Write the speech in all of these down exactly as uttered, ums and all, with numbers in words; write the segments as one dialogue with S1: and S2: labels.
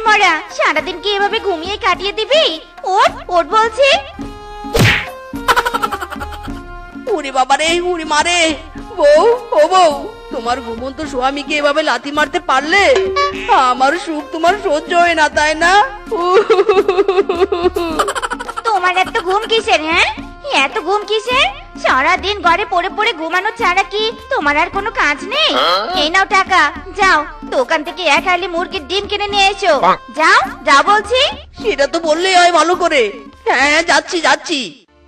S1: মরা, সারাদিন কি এভাবে ঘুমিয়ে কাটিয়ে দিবি? ওঠ ওঠ বলছি।
S2: উড়ি বাবারে, উড়ি মারে। বউ, ও বউ, তোমার ঘুমন্ত স্বামীকে এভাবে লাথি মারতে পারলে? আমার সুখ তোমার সহ্য হয় না, তাই না?
S1: তোমার এত ঘুম কিসের? হ্যাঁ, এত ঘুম কিসের? সারাদিন ঘরে পড়ে পড়ে ঘুমানো ছাড়া কি তোমার আর কোনো কাজ নেই? এই নাও টাকা, যাও দোকান থেকে এক হালি মুরগির ডিম কিনে নিয়ে এসো। যাও যাও বলছি।
S2: সেটা তো বললেই হয় ভালো করে। হ্যাঁ হ্যাঁ, যাচ্ছি যাচ্ছি।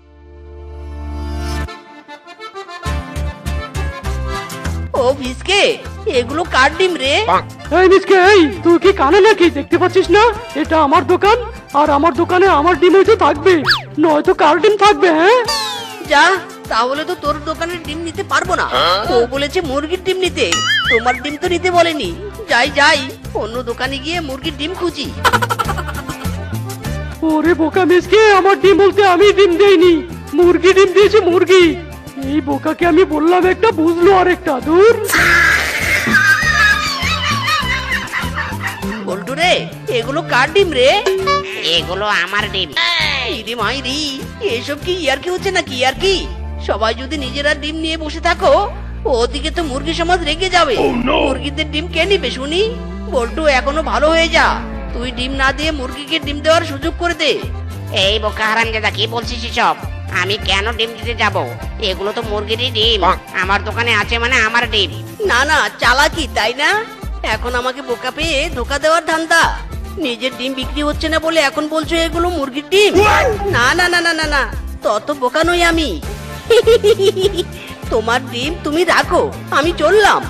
S2: ও ভিসকে, এগুলো কার ডিম রে?
S3: এই মিসকে, এই তুই কি কানে নাকি দেখতে পাচ্ছিস না? এটা আমার দোকান, আর আমার দোকানে আমার ডিমই তো থাকবে, নয়তো কার ডিম থাকবে? হ্যাঁ
S2: যা, তাহলে তো তোর দোকানের ডিম নিতে পারবো না। ও বলেছে মুরগির ডিম নিতে, তোমার ডিম তো নিতে বলেনি। যাই যাই, অন্য দোকানে গিয়ে মুরগির ডিম খুঁজি।
S3: ওরে বোকা মিসকে, আমার ডিম বলতে আমি ডিম দেইনি, মুরগি ডিম দিয়েছে মুরগি। এই বোকাকে আমি বললাম একটা, বুঝলো আর একটা। দূর
S2: বল্টু রে, এগুলো কার ডিম রে?
S4: এগুলো আমার ডিম।
S2: ইরে মাইরি, এসব কি ইয়ার কি হচ্ছে নাকি? ইয়ার কি? সবাই যদি নিজেরা ডিম নিয়ে বসে থাকো, ওদিকে তো মুরগি সমাজ রেগে যাবে। মুরগিদের ডিম কে নিবে শুনি? বল্টু, এখনো ভালো হয়ে যা, তুই ডিম না দিয়ে মুরগিকে ডিম দেওয়ার সুযোগ করে দে।
S4: এই বোকা হারামজাদা, কি বলছিস এসব? আমি কেন ডিম দিতে যাব? এগুলো তো মুরগিরই ডিম, আমার দোকানে আছে মানে আমার ডিম।
S2: না না, চালাকি তাই না? এখন আমাকে বোকা পেয়ে ধোকা দেওয়ার ধান্দা। নিজের ডিম বিক্রি হচ্ছে না বলে এখন বলছো এগুলো মুরগির ডিম? না না না না না না, তত বোকা নই আমি। তোমার ডিম তুমি রাখো, আমি চললাম।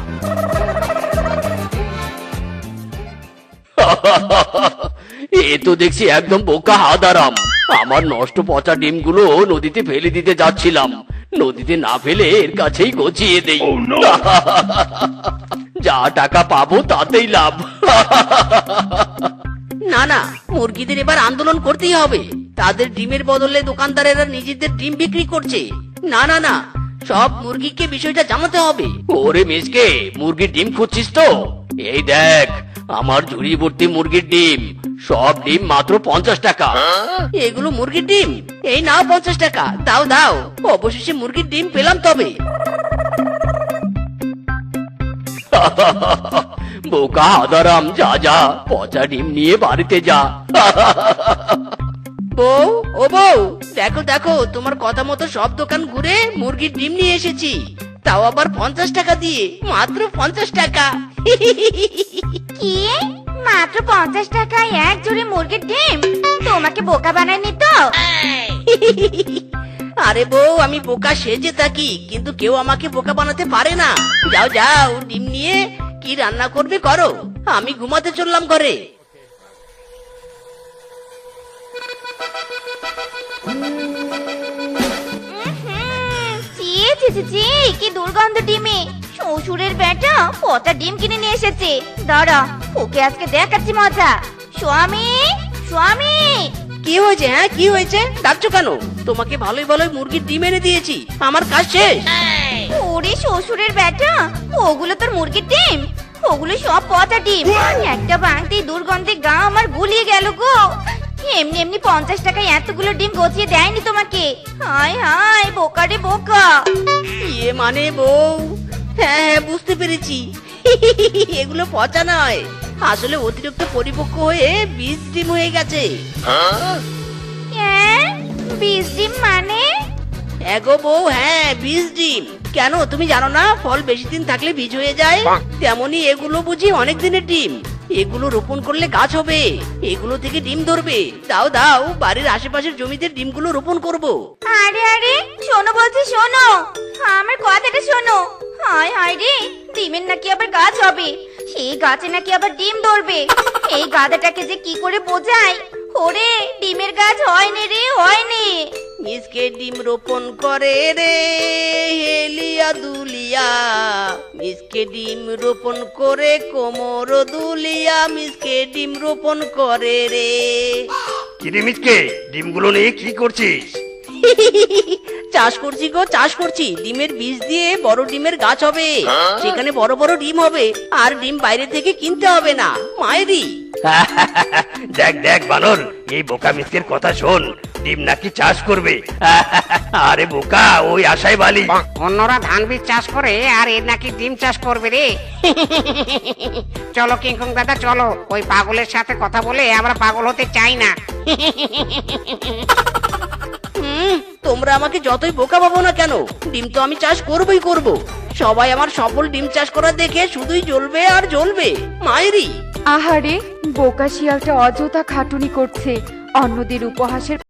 S5: এ তো দেখছি একদম বোকা হাদারাম। আমার নষ্ট পচা ডিমগুলো নদীতে ফেলে দিতে যাচ্ছিলাম, নদীতে না ফেলে এর কাছেই গছিয়ে দেই। যা টাকা পাবো তাতেই লাভ।
S2: না না, মুরগিদের এবার আন্দোলন করতেই হবে। তাদের ডিমের বদলে দোকানদারেরা নিজেদের ডিম বিক্রি করছে। না না না, সব মুরগিকে বিষয়টা জানাতে হবে।
S5: ওরে মিসকে, মুরগির ডিম খুঁজছিস তো? এই দেখ, আমার ঝুড়ি ভর্তি মুরগির ডিম, সব ডিম মাত্র পঞ্চাশ টাকা।
S2: এগুলো মুরগির ডিম? এই নাও পঞ্চাশ টাকা, দাও দাও। অবশেষে মুরগির ডিম পেলাম তবে।
S5: বোকা হাদারাম, যা যা, পচা ডিম নিয়ে বাড়িতে যা।
S2: বউ, ও বউ, দেখো দেখো, তোমার কথা মতো সব দোকান ঘুরে মুরগির ডিম নিয়ে এসেছি, তাও আবার পঞ্চাশ টাকা দিয়ে, মাত্র পঞ্চাশ টাকা।
S1: কি, মাত্র পঞ্চাশ টাকায় এক জোড়ে মুরগির ডিম? তোমাকে বোকা বানায়নি তো?
S2: আরে বউ, আমি বোকা সেজে থাকি, কিন্তু কেউ আমাকে বোকা বানাতে পারে না। যাও যাও, ডিম নিয়ে কি রান্না করবে করো, আমি ঘুমাতে চললাম ঘরে।
S1: ছি ছি ছি ছি, কি দুর্গন্ধ ডিমে। শ্বশুরের বেটা পচা ডিম কিনে নিয়ে এসেছে। দাঁড়া, ওকে আজকে দেখাচ্ছি মজা। স্বামী, স্বামী।
S2: কি হয়েছে? হ্যাঁ, কি হয়েছে? ডাকছো কেন? তোমাকে ভালোই ভালোই মুরগির ডিম এনে দিয়েছি, আমার কাজ শেষ।
S1: ওরে শ্বশুরের বেটা, ওগুলো তোর মুরগির ডিম? ওগুলো সব পচা ডিম। একটা ভাঙতেই দুর্গন্ধে গা আমার গুলিয়ে গেল গো। এমনি এমনি পঞ্চাশ টাকায় এতগুলো ডিম গছিয়ে দেয়নি তোমাকে। হায় হায়, বোকা রে বোকা।
S2: ইয়ে মানে বউ, হ্যাঁ হ্যাঁ, বুঝতে পেরেছি। এগুলো পচা নয়, আসলে অতিরিক্ত পরিপক্ক হয়ে বীজ ডিম হয়ে গেছে।
S1: হ্যাঁ, বীজ ডিম মানে?
S2: এগো বউ, হ্যাঁ, বীজ ডিম। কেন তুমি জানো না, ফল বেশি দিন থাকলে বীজ হয়ে যায়? তেমনি এগুলো বুঝি অনেক দিনের ডিম। এগুলো রোপণ করলে গাছ হবে, এগুলো থেকে ডিম ধরবে। দাও দাও, বাড়ির আশেপাশের জমিতে ডিমগুলো রোপণ করব।
S1: আরে আরে, শোনো বলছি, শোনো আমার কথাটা শোনো। হায় হায় রে, ডিমের নাকি আবার গাছ হবে, সেই গাছে নাকি আবার ডিম ধরবে। এই গাধাটাকে যে কি করে বোঝাই। ওরে, ডিমের গাছ হয়নি রে, হয়নি।
S2: মিসকে ডিম রোপণ করে রে হেলিয়া দুলিয়া, মিসকে ডিম রোপণ করে কোমর দুলিয়া, মিসকে ডিম রোপণ করে রে।
S5: কিরে মিসকে, ডিমগুলো নিয়ে কি করছিস?
S2: চাষ করছি গো, চাষ করছি। ডিমের বীজ দিয়ে বড় ডিমের গাছ হবে, সেখানে বড় বড় ডিম হবে, আর ডিম বাইরে থেকে কিনতে হবে না। মায়েরি,
S5: দেখ দেখ বানর, এই বোকা মিসকের কথা শোন, ডিম নাকি চাষ করবে। আরে বোকা, ওই আশাই বালি।
S4: অন্যরা ধান বীজ চাষ করে আর এর নাকি ডিম চাষ করবে রে। চলো কিংকং দাদা চলো, ওই পাগলের সাথে কথা বলে আমরা পাগল হতে চাই না।
S2: হুম, তোমরা আমাকে যতই বোকা ভাবো না কেন, ডিম তো আমি চাষ করবই করব। সবাই আমার সফল ডিম চাষ করা দেখে শুধুই জ্বলবে আর জ্বলবে। মায়েরি
S6: আহারে বোকা শিয়ালটা অযথা খাটুনি করছে, অন্যদের উপহাসের